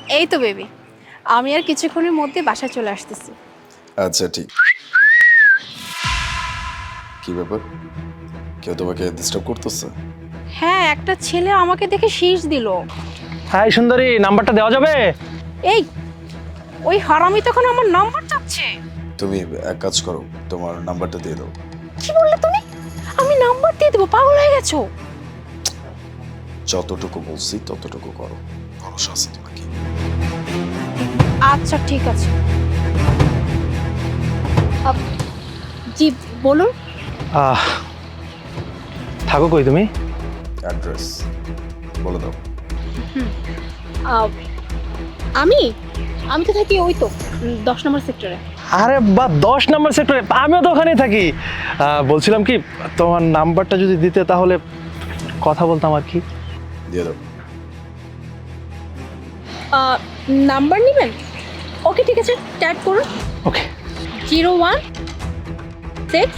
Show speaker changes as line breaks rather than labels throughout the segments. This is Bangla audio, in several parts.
এই তো বেবি, আমি আর কিছুক্ষণের মধ্যে বাসায় চলে আসতেছি।
আচ্ছা ঠিক। কি ব্যাপার, কেউ তোমাকে ডিস্টার্ব করতেছে?
হ্যাঁ, একটা ছেলে আমাকে দেখে শীষ দিল।
হাই সুন্দরী, নাম্বারটা দেওয়া যাবে?
এই, ওই হারামি তখন আমার নাম্বার চাচ্ছে।
তুমি এক কাজ করো, তোমার নাম্বারটা দিয়ে দাও।
কি বললে তুমি? আমি নাম্বার দিয়ে দেবো? পাগল হয়ে গেছো?
যতটুকু বলছি ততটুকু করো, ভরসা আছে তোমাকে।
আচ্ছা ঠিক আছে। জি বলুন।
আহ, থাকো কই তুমি?
অ্যাড্রেস বলে দাও।
আহ, আমি আমি তো থাকি ওই তো 10 নম্বর সেক্টরে।
আরে বা 10 নম্বর সেক্টরে, আমিও তো ওখানেই থাকি। বলছিলাম কি, তোমার নাম্বারটা যদি দিতে তাহলে কথা বলতাম আর কি।
দিয়ে দাও।
নাম্বার নেবেন? ওকে ঠিক আছে, টাইপ করুন।
ওকে।
016।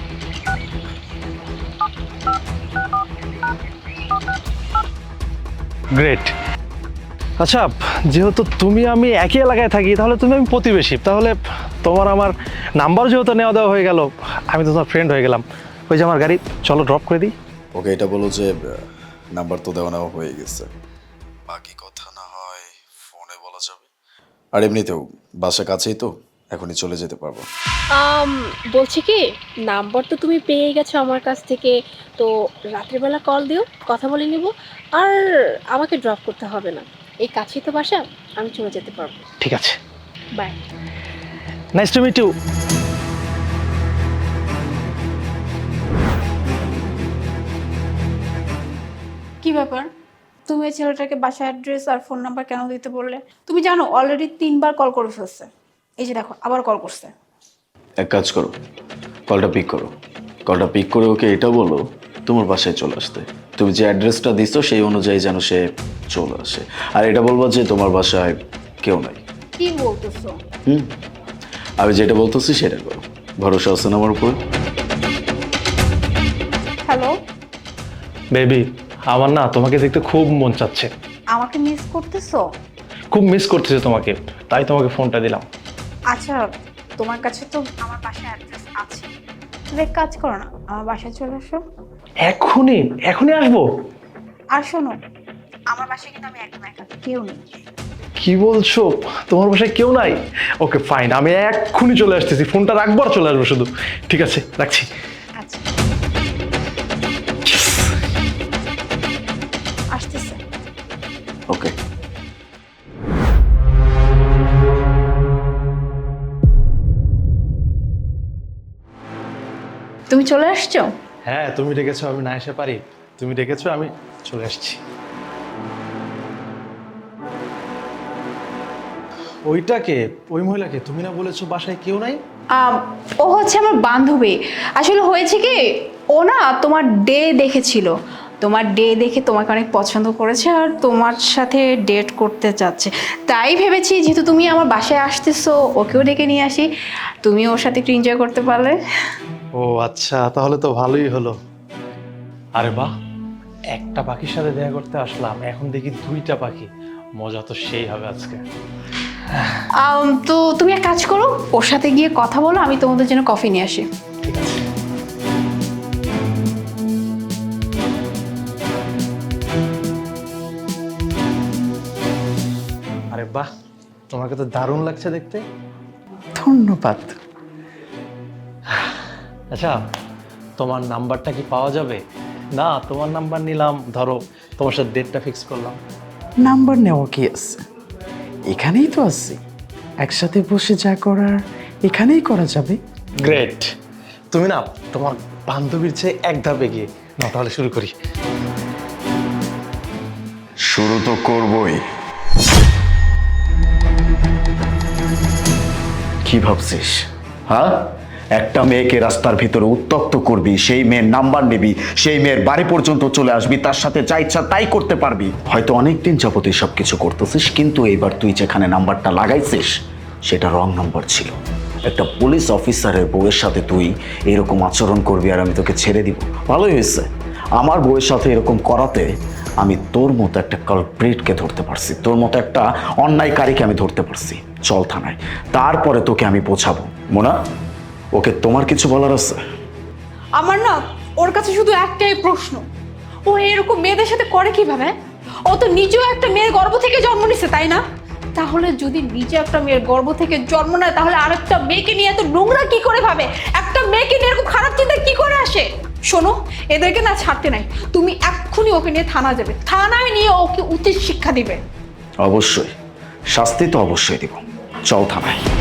গ্রেট। আচ্ছা, যেহেতু তুমি আমি একই এলাকায় থাকি, তাহলে তুমি আমি প্রতিবেশী, তাহলে তোমার আমার নাম্বার যেহেতু নেওয়া দেওয়া হয়ে গেল, আমি তো তোমার ফ্রেন্ড হয়ে গেলাম। ওই যে আমার গাড়ি, চলো ড্রপ করে দিই।
ওকে, এটা বলো যে নাম্বার তো দেওয়া নেওয়া হয়ে গেছে, বাকি কথা না হয় ফোনে বলা যাবে। আর এমনিতেও বাসা কাছেই তো, এখনই চলে যেতে পারবো।
বলছি কি, নাম্বার তো তুমি পেয়ে গেছো আমার কাছ থেকে, তো রাত্রিবেলা কল দিও, কথা বলে নিব। আর আমাকে ড্রপ করতে হবে না, এই কাছেই তো বাসা, আমি চলে যেতে পারবো।
ঠিক আছে।
Bye.
Nice to meet you.
কি ব্যাপার, তুমি এই ছেলেটাকে বাসার অ্যাড্রেস আর ফোন নাম্বার কেন দিতে বললে? তুমি জানো অলরেডি 3বার কল করে ফেলছে। এই যে দেখো, আবার কল করছে।
এক কাজ করো, কলটা পিক করো। কলটা পিক করে ওকে এটা বলো তোমার বাসায় চলে আসতে। তুমি যে অ্যাড্রেসটা দিছো সেই অনুযায়ী যেন সে চলে আসে। আর এটা বলবো যে তোমার বাসায় কেউ নাই।
কি বলতেছো?
আমি যেটা বলতেছি সেটা করো, ভরসা আছে না আমার উপর?
হ্যালো,
বেবি, আমার না তোমাকে দেখতে খুব মন চাচ্ছে,
আমাকে মিস করতেছো?
খুব মিস করতেছে তোমাকে, তাই তোমাকে ফোনটা দিলাম।
আচ্ছা, তোমার কাছে তো আমার বাসার অ্যাড্রেস আছে, তুমি এক কাজ করো না, আমার বাসায় চলে আসো।
এখনই এখনই আসবো?
আর শোনো, আমার বাসায় কিন্তু আমি একদম একা, কেউ নেই।
কি বলছো, তোমার বাসায় কেউ নাই? ওকে ফাইন, আমি এক্ষুনি চলে আসতেছি, ফোনটা রাখবো আর চলে আসবো শুধু। ঠিক আছে, রাখছি।
আচ্ছা, আসতেছে।
ওকে।
তুমি চলে আসছো?
হ্যাঁ, তুমি ডেকেছো, আমি না এসে পারি? তুমি ডেকেছো, আমি চলে আসছি। ওইটাকে, ওই মহিলাকে তুমি না বলেছো বাসায় কেউ নাই?
ও হচ্ছে আমার বান্ধবী। আসলে হয়েছে কি, ও না তোমার ডে দেখেছিল, তোমার ডে দেখে তোমাকে অনেক পছন্দ করেছে আর তোমার সাথে ডেট করতে চাচ্ছে। তাই ভেবেছি যেহেতু তুমি আমার বাসায় আসতেছো, ওকেও ডেকে নিয়ে আসি, তুমি ওর সাথে একটু এনজয় করতে পারলে।
ও আচ্ছা, তাহলে তো ভালোই হলো। আরে বাহ, একটা পাখির সাথে দেখা করতে আসলাম, এখন দেখি 2টা পাখি। মজা তো সেই হবে আজকে।
তো তুমি এক কাজ করো, ওর সাথে গিয়ে কথা বলো, আমি তোমাদের জন্য কফি নিয়ে আসি।
ঠিক আছে। আরে বাহ, তোমাকে তো দারুণ লাগছে দেখতে।
ধন্যবাদ।
আচ্ছা, তোমার নাম্বারটা কি পাওয়া যাবে? না, তোমার নাম্বার নিলাম, ধরো তোমার সাথে ডেটটা ফিক্স করলাম।
নাম্বার নেওয়া কি আছে, এখানেই তো আছে, একসাথে বসে যা করার এখানেই করা যাবে।
গ্রেট। তুমি না তোমার বান্ধবীর চেয়ে এক ধাপ এগিয়ে। না তাহলে শুরু করি।
শুরু তো করবই। কি ভাবছিস, হ্যাঁ? একটা মেয়েকে রাস্তার ভিতরে উত্তক্ত করবি, সেই মেয়ের নাম্বার নিবি, সেই মেয়ের বাড়ি পর্যন্ত চলে আসবি, তার সাথে যা ইচ্ছা তাই করতে পারবি। হয়তো অনেকদিন যাবত সব কিছু করতেছিস, কিন্তু এইবার তুই যেখানে নাম্বারটা লাগাইছিস সেটা রং নাম্বার ছিল। একটা পুলিশ অফিসারের বউয়ের সাথে তুই এরকম আচরণ করবি আর আমি তোকে ছেড়ে দিব? ভালোই হয়েছে, আমার বউয়ের সাথে এরকম করাতে আমি তোর মতো একটা কালপ্রিটকে ধরতে পারছি, তোর মতো একটা অন্যায়কারীকে আমি ধরতে পারছি। চল থানায়, তারপরে তোকে আমি পৌঁছাবো। মোনা, ওকে তোমার কিছু বলার আছে?
আমার না ওর কাছে শুধু একটাই প্রশ্ন, ও এরকম মেয়েদের সাথে করে কিভাবে? ও তো নিজেও একটা মেয়ের গর্ভ থেকে জন্ম নিছে, তাই না? তাহলে যদি নিজে একটা মেয়ের গর্ভ থেকে জন্ম নেয়, তাহলে আরেকটা মেয়েকে নিয়ে এত নোংরা কি করে ভাবে? একটা মেয়েকে নিয়ে এরকম খারাপ চিন্তা কি করে আসে? শোনো, এদেরকে না ছাড়তে নাই, তুমি এক্ষুনি ওকে নিয়ে থানা যাবে, থানায় নিয়ে ওকে উচিত শিক্ষা দিবে।
অবশ্যই, শাস্তি তো অবশ্যই দিব। চল থানায়।